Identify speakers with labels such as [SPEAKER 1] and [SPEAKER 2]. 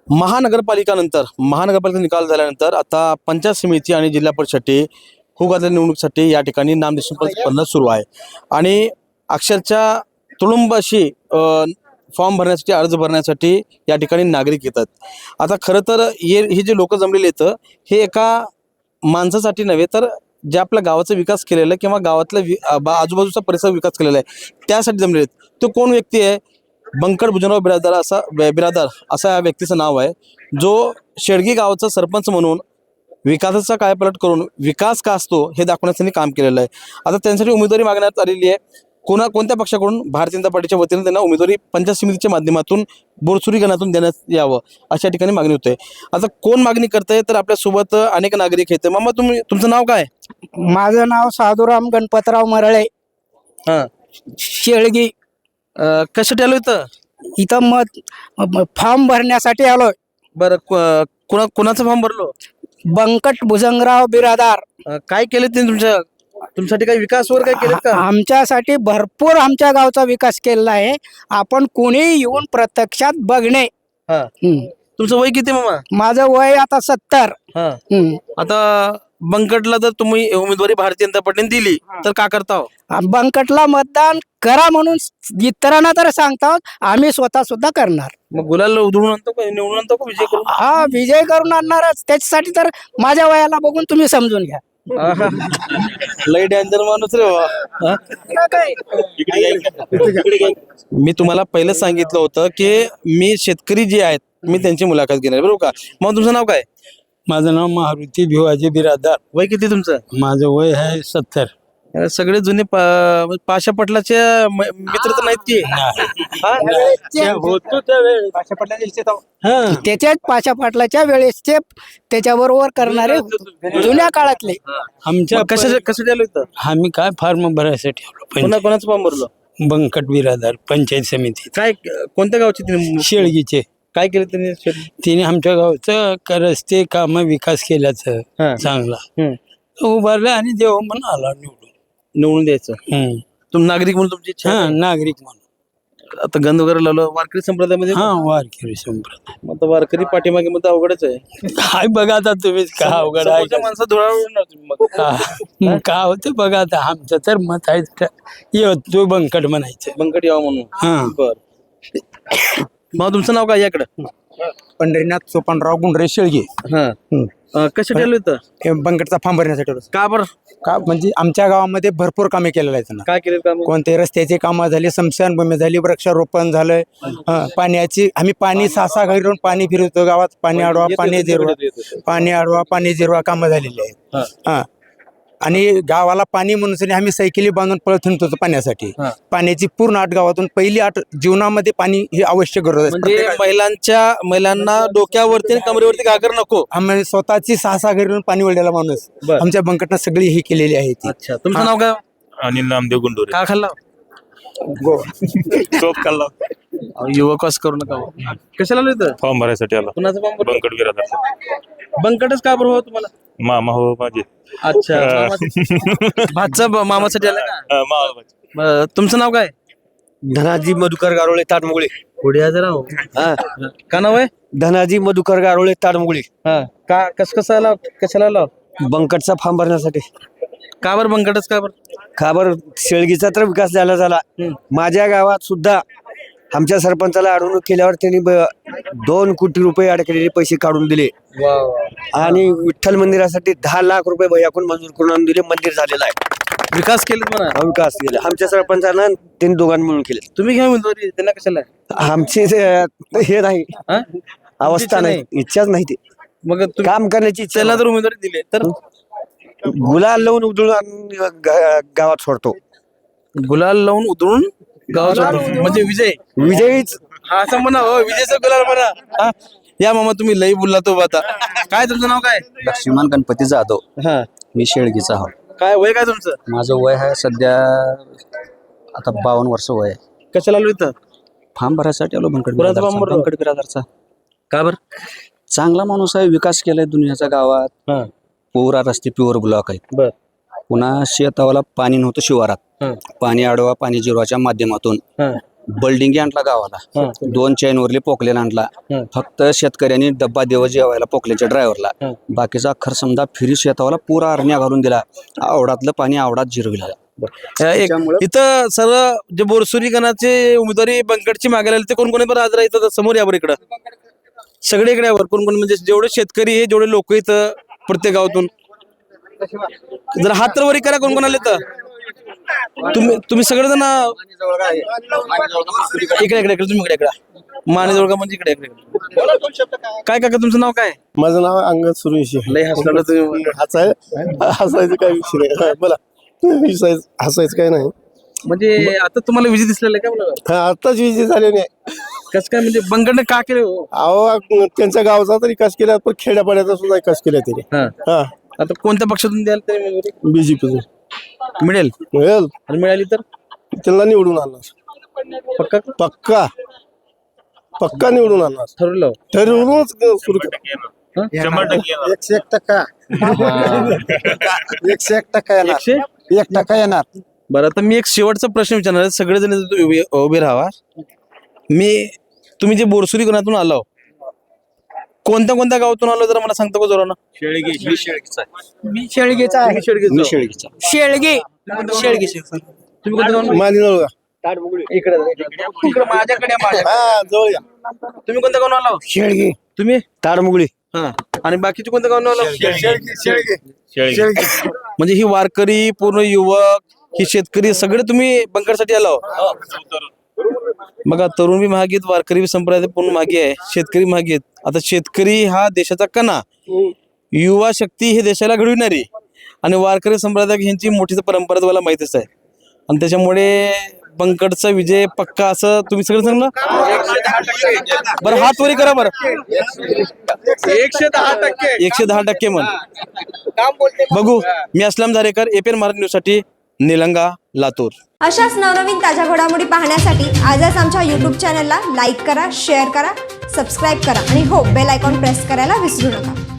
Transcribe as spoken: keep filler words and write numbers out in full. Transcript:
[SPEAKER 1] महानगरपालिका नंतर महानगरपालिका निकाल झाल्यानंतर आता पंचायत समिती आणि जिल्हा परिषदसाठी हुगातल्या निवडणुकीसाठी या ठिकाणी नामनिर्देशन स्पर्धा सुरू आहे आणि अक्षरशः तुडुंब अशी फॉर्म भरण्यासाठी अर्ज भरण्यासाठी या ठिकाणी नागरिक येतात. आता खरं तर हे हे जे लोक जमलेले आहेत हे एका माणसासाठी नव्हे तर जे आपल्या गावाचा विकास केलेला आहे किंवा गावातल्या आजूबाजूचा परिसर विकास केलेला आहे त्यासाठी जमलेले आहेत. तो कोण व्यक्ती आहे? बंकट भुजनराव बिरादार असा बिरादार असा या व्यक्तीचं नाव आहे जो शेडगी गावाचा सरपंच म्हणून विकासाचा कायापालट करून विकास का असतो हे दाखवण्याचं त्यांनी काम केलेलं आहे. आता त्यांच्यासाठी उमेदवारी मागण्यात आलेली आहे. कोणा कोणत्या पक्षाकडून? भारतीय जनता पार्टीच्या वतीने त्यांना उमेदवारी पंचायत समितीच्या माध्यमातून बोरसुरी गणातून देण्यात यावं अशा ठिकाणी मागणी होते. आता कोण मागणी करतंय तर आपल्यासोबत अनेक नागरिक आहेत. मामा तुम्ही तुमचं नाव काय?
[SPEAKER 2] माझं नाव साधुराम गणपतराव मरळे,
[SPEAKER 1] हां,
[SPEAKER 2] शेळगी.
[SPEAKER 1] कशासाठी आलो इथं?
[SPEAKER 2] इथं मत फॉर्म भरण्यासाठी आलोय.
[SPEAKER 1] बरं, कोणा कोणाचा फॉर्म भरलो?
[SPEAKER 2] बंकट भुजंगराव बिरादार.
[SPEAKER 1] अं, काय केले त्यांनी तुमच्या तुमच्यासाठी काही विकास वगैरे काय केले का?
[SPEAKER 2] आमच्यासाठी भरपूर आमच्या गावचा विकास केलेला आहे. आपण कोणी येऊन प्रत्यक्षात बघणे.
[SPEAKER 1] हा,
[SPEAKER 2] हम्म.
[SPEAKER 1] तुमचं वय किती मामा?
[SPEAKER 2] माझं वय आता सत्तर.
[SPEAKER 1] हा,
[SPEAKER 2] हम्म.
[SPEAKER 1] आता बंकटला जर तुम्ही उमेदवारी भारतीय जनता पार्टीने दिली तर का करता हो?
[SPEAKER 2] बंकटला मतदान करा म्हणून इतरांना तर सांगतो, आम्ही स्वतः सुद्धा करणार.
[SPEAKER 1] मग गुलाल उधळून आणतो का, निवडून आणतो का, विजय करून?
[SPEAKER 2] हा, विजय करून आणणारच. त्याच्यासाठी तर माझ्या वयाला बघून तुम्ही समजून घ्या.
[SPEAKER 1] आहा, लय डेंजर माणूस रे बाबा. मी तुम्हाला पहिलं सांगितलं होतं की मी शेतकरी जे आहेत मी त्यांची मुलाखत घेणार, बरोबर का? मग तुमचं नाव काय?
[SPEAKER 3] माझं नाव मारुती भिवाजी बिरादार.
[SPEAKER 1] वय किती तुमचं?
[SPEAKER 3] माझं वय आहे सत्तर.
[SPEAKER 1] अरे, सगळे जुने पा- पाशा पटलाचे म- मित्र तर नाहीत की? हा?
[SPEAKER 3] होतो त्यावेळेस हा.
[SPEAKER 2] त्याच्याच पाशा पाटलाच्या वेळेसचे त्याच्याबरोबर करणारे जुन्या काळातले.
[SPEAKER 3] आमच्या
[SPEAKER 1] मग कशा कशासाठी आलो इथं?
[SPEAKER 3] आम्ही काय फार्म भरायसाठी आलो.
[SPEAKER 1] कोणा
[SPEAKER 3] पंच-
[SPEAKER 1] कोणाचं फॉर्म भरलं?
[SPEAKER 3] बंकट बिरादार पंचायत समिती
[SPEAKER 1] काय कोणत्या गावचे तिने
[SPEAKER 3] शेळगीचे.
[SPEAKER 1] काय केलं त्यांनी?
[SPEAKER 3] तिने आमच्या गावचं क- रस्ते काम विकास केल्याचं
[SPEAKER 1] हा.
[SPEAKER 3] चांगला
[SPEAKER 1] हम्म.
[SPEAKER 3] उभारलं आणि देव म्हणून आला निवडून.
[SPEAKER 1] निवडून द्यायचं.
[SPEAKER 3] हम्म.
[SPEAKER 1] तुम्ही नागरिक म्हणून तुमची इच्छा
[SPEAKER 3] हा,
[SPEAKER 1] आहे?
[SPEAKER 3] नागरिक म्हणून.
[SPEAKER 1] आता गंध वगैरे लावलं वारकरी संप्रदायामध्ये.
[SPEAKER 3] हा, वारकरी संप्रदाय.
[SPEAKER 1] मग आता वारकरी पाठीमागे मग तर अवघडच आहे.
[SPEAKER 3] काय बघा आता तुम्हीच का अवघड आहे
[SPEAKER 1] समोरच्या
[SPEAKER 3] का?
[SPEAKER 1] माणसं धुळावून मग
[SPEAKER 3] का का होते बघा आता आमचं तर मत आहे का- ये तो बंकट म्हणायचं.
[SPEAKER 1] बंकट यावं म्हणून.
[SPEAKER 3] हा.
[SPEAKER 1] बर, मग तुमचं नाव काय याकडं?
[SPEAKER 4] पंढरीनाथ सोपानराव गुंडरे शेळगे.
[SPEAKER 1] हा, अं, कशासाठी आलो इथं?
[SPEAKER 4] हे बंकटचा फॉर्म भरण्यासाठी आलो.
[SPEAKER 1] का बरं?
[SPEAKER 4] का म्हणजे आमच्या गावामध्ये भरपूर कामे केलेली आहेत ना.
[SPEAKER 1] काय केलं काम?
[SPEAKER 4] कोणते रस्त्याचे कामं झाली, स्मशानभूमी झाली, वृक्षारोपण झालंय. हं, पाण्याची आम्ही पाणी सहा सहा घरी राहून पाणी फिरवतो गावात. पाणी अडवा, पाणी जिरवा, पाणी अडवा, पाणी जिरवा कामं झालेली आहेत. हा, आणि गावाला पाणी म्हणून आम्ही सायकली बांधून पळत हिंडत होतो पाण्यासाठी.
[SPEAKER 1] हा.
[SPEAKER 4] पाण्याची पूर्ण आठ गावातून पहिली आठ जीवनामध्ये पाणी ही आवश्यक गरज आहे.
[SPEAKER 1] म्हणजे
[SPEAKER 4] प्रत्येका-
[SPEAKER 1] महिलांच्या महिलांना डोक्यावरती आणि कमरेवरती घागर नको.
[SPEAKER 4] आम्ही स्वतःची सहा सहा घरी राहून पाणी वळलेला माणूस.
[SPEAKER 1] बर.
[SPEAKER 4] आमच्या बंकटनं सगळी ही केलेली आहे ती.
[SPEAKER 1] अच्छा, तुमचं नाव काय?
[SPEAKER 5] अनिल नामदेव गुंडोरे.
[SPEAKER 1] का खाल्ला?
[SPEAKER 5] चोप खाल्ला.
[SPEAKER 1] अहो, युवक असं करू नका हो. कशाला आलो इथं?
[SPEAKER 5] फॉर्म भरायसाठी आला.
[SPEAKER 1] कुणाचं फॉर्म भरलं?
[SPEAKER 5] बंकट बिरादार.
[SPEAKER 1] बंकटच का बरं हो तुम्हाला?
[SPEAKER 5] मामा हो माझे.
[SPEAKER 1] अच्छा, भातचा मामासाठी आला का?
[SPEAKER 5] अं, मामा.
[SPEAKER 1] बरं, तुमचं नाव काय?
[SPEAKER 6] धनाजी मधुकर गारोळे ताडमुगळे.
[SPEAKER 1] पुढे हजर आहो.
[SPEAKER 6] हा,
[SPEAKER 1] का नाव आहे?
[SPEAKER 6] धनाजी मधुकर गारोळे ताडमुगळे.
[SPEAKER 1] हा, का कस कसं आला? कशाला आला?
[SPEAKER 6] बंकटचा फॉर्म भरण्यासाठी.
[SPEAKER 1] का बरं बंकटच का बरं?
[SPEAKER 6] खबर शेळगीचा तर विकास झाला झाला.
[SPEAKER 1] हम्म.
[SPEAKER 6] माझ्या गावात सुद्धा आमच्या सरपंचाला अडवणूक केल्यावर त्यांनी ब- दोन कोटी रुपये अडकलेले पैसे काढून दिले आणि विठ्ठल मंदिरासाठी दहा लाख रुपये भैयाकून मंजूर करून आणून दिले. मंदिर झालेलं आहे.
[SPEAKER 1] विकास केले म्हणा.
[SPEAKER 6] हा, विकास केला आमच्या सरपंचानं त्यांनी दोघांनी मिळून केले.
[SPEAKER 1] तुम्ही घ्या उमेदवारी, त्यांना कशाला?
[SPEAKER 6] आमची जे- हे नाही
[SPEAKER 1] हा?
[SPEAKER 6] अवस्था
[SPEAKER 1] इच्छा
[SPEAKER 6] नाही, इच्छाच नाही ते
[SPEAKER 1] मग तुम्ही
[SPEAKER 6] काम करण्याची इच्छा
[SPEAKER 1] त्याला
[SPEAKER 6] नाही.
[SPEAKER 1] जर उमेदवारी दिली तर
[SPEAKER 6] गुलाल लावून उधळून आणून गा- गावात सोडतो.
[SPEAKER 1] गुलाल लावून उधळून गावात सोडतो. म्हणजे विजय.
[SPEAKER 6] विजयीच
[SPEAKER 1] हा, असं म्हणा हो, विजयचा गुलाल म्हणा. हा? या मामा, तुम्ही लई बोलला तो आता. काय तुमचं नाव काय?
[SPEAKER 7] लक्ष्मण गणपती जाधव.
[SPEAKER 1] हा,
[SPEAKER 7] मी शेळगीचा आहो.
[SPEAKER 1] काय वय काय तुमचं?
[SPEAKER 7] माझं वय आहे सध्या आता बावन्न वर्ष वय आहे.
[SPEAKER 1] कशाला आलो इथं?
[SPEAKER 7] फार्म भरायसाठी आलो बंकट
[SPEAKER 1] कोणाचा
[SPEAKER 7] बिरादारचा.
[SPEAKER 1] फार्म भरला?
[SPEAKER 7] बंकट बिरादारचा.
[SPEAKER 1] का बरं?
[SPEAKER 7] चांगला माणूस आहे, विकास केलाय दुनियाच्या गावात.
[SPEAKER 1] हा,
[SPEAKER 7] पुरा रस्ते प्युअर ब्लॉक आहेत.
[SPEAKER 1] बर.
[SPEAKER 7] पुन्हा शेतावाला पाणी नव्हतं शिवारात.
[SPEAKER 1] हा,
[SPEAKER 7] पाणी अडवा पाणी जिरवाच्या माध्यमातून
[SPEAKER 1] हा,
[SPEAKER 7] बिल्डिंग आणला गावाला, दोन चैनवरले पोकलेन आणला. फक्त शेतकऱ्यांनी डब्बा देव जेवायला पोकल्याच्या ड्रायव्हरला. बाकीचा अखर समजा फिरी शेतावाला पुरा अरण्या घालून दिला. आवडातलं पाणी आवडात जिरविला.
[SPEAKER 1] एक इथं सर्व जे बोरसुरी गणाचे उमेदवारी बंकटची मागायला आले ते कोण कोणी बरं आज इथं समोर यावर इकडं सगळे इकडे यावर कोण कोण म्हणजे जेवढे शेतकरी आहे जेवढे लोक इथं प्रत्येक गावातून जर हात तर वरी करा कोण कोण आले तर तुम्ही तुम्ही सगळेजण इकडे इकडे इकडे तुम्ही इकडे इकडे मानेजवळ का म्हणजे इकडे इकडे काय काका तुमचं नाव काय?
[SPEAKER 8] माझं नाव अंगद सुरेशी.
[SPEAKER 1] लय हसलं तुम्ही.
[SPEAKER 8] हसाय हसायचं काय विषय नाही. बोला हसायचं हसायचं काय नाही.
[SPEAKER 1] म्हणजे आता तुम्हाला विजय दिसलेला आहे का मला
[SPEAKER 8] हा आत्ताच विजय झाले नाही.
[SPEAKER 1] कसं काय म्हणजे बंकटने का केलं हो?
[SPEAKER 8] अहो त्यांच्या गावचा तर विकास केला पण खेड्यापाड्याचा सुद्धा विकास केला त्याने.
[SPEAKER 1] हा
[SPEAKER 8] हा
[SPEAKER 1] आता कोणत्या पक्षातून द्याल तरी वगैरे?
[SPEAKER 8] बीजेपीचं
[SPEAKER 1] मिळेल
[SPEAKER 8] मिळेल
[SPEAKER 1] आणि मिळाली तर
[SPEAKER 8] त्यांना निवडून आणणार.
[SPEAKER 1] पक्का
[SPEAKER 8] पक्का पक्का निवडून आणणार.
[SPEAKER 1] ठरवलं
[SPEAKER 8] ठरवूनच सुरू करा.
[SPEAKER 5] शंभर टक्के येणार.
[SPEAKER 4] एकशे एक टक्का एकशे एक टक्का येणार.
[SPEAKER 1] एकशे
[SPEAKER 4] एक टक्का येणार.
[SPEAKER 1] बरं आता मी एक शेवटचा प्रश्न विचारणार आहे. सगळेजण इथं उभे उभे राहा. मी तुम्ही जे बोरसुरी गणातून आलो कोणत्या कोणत्या गावातून आलो जरा मला सांगता का जोरानं?
[SPEAKER 2] मी शेळगेचा आहे.
[SPEAKER 1] मी शेळगेचं.
[SPEAKER 2] शेळगे शेळगे
[SPEAKER 1] तुम्ही कोणत्या गावातून?
[SPEAKER 8] मालिनोळगा.
[SPEAKER 1] इकडे इकडे माझ्याकडे माझ्या
[SPEAKER 8] हा जवळ या.
[SPEAKER 1] तुम्ही कोणत्या गावातून आलो?
[SPEAKER 4] शेळगे
[SPEAKER 1] तुम्ही
[SPEAKER 6] ताडमुगळी.
[SPEAKER 1] हा आणि बाकीचे कोणत्या गावातून आलो?
[SPEAKER 5] शेळगे.
[SPEAKER 1] म्हणजे ही वारकरी पूर्ण युवक ही शेतकरी सगळे तुम्ही बंकटसाठी आलो. बघा तरुण बी महागी आहेत, वारकरी बी संप्रदाय पूर्ण महागी आहे, शेतकरी महागी आहेत. आता शेतकरी हा देशाचा कणा, युवा शक्ती हे देशाला घडविणारी आणि वारकरी संप्रदाय ह्यांची मोठी परंपरा तुम्हाला माहितीच आहे. आणि त्याच्यामुळे बंकटचा विजय पक्का असं तुम्ही सगळं सांगलं. बरं हात वरी करा बरं. एकशे दहा टक्के एकशे दहा टक्के म्हण बघू. मी असलम झारेकर, एपीएन मराठी न्यूज साठी निलंगा, लातूर.
[SPEAKER 9] अशाच नवनवीन ताज्या घडामोडी पाहण्यासाठी आजच आमच्या यूट्यूब चॅनलला लाईक करा, शेअर करा, सबस्क्राईब करा आणि हो बेल आयकॉन प्रेस करायला विसरू नका.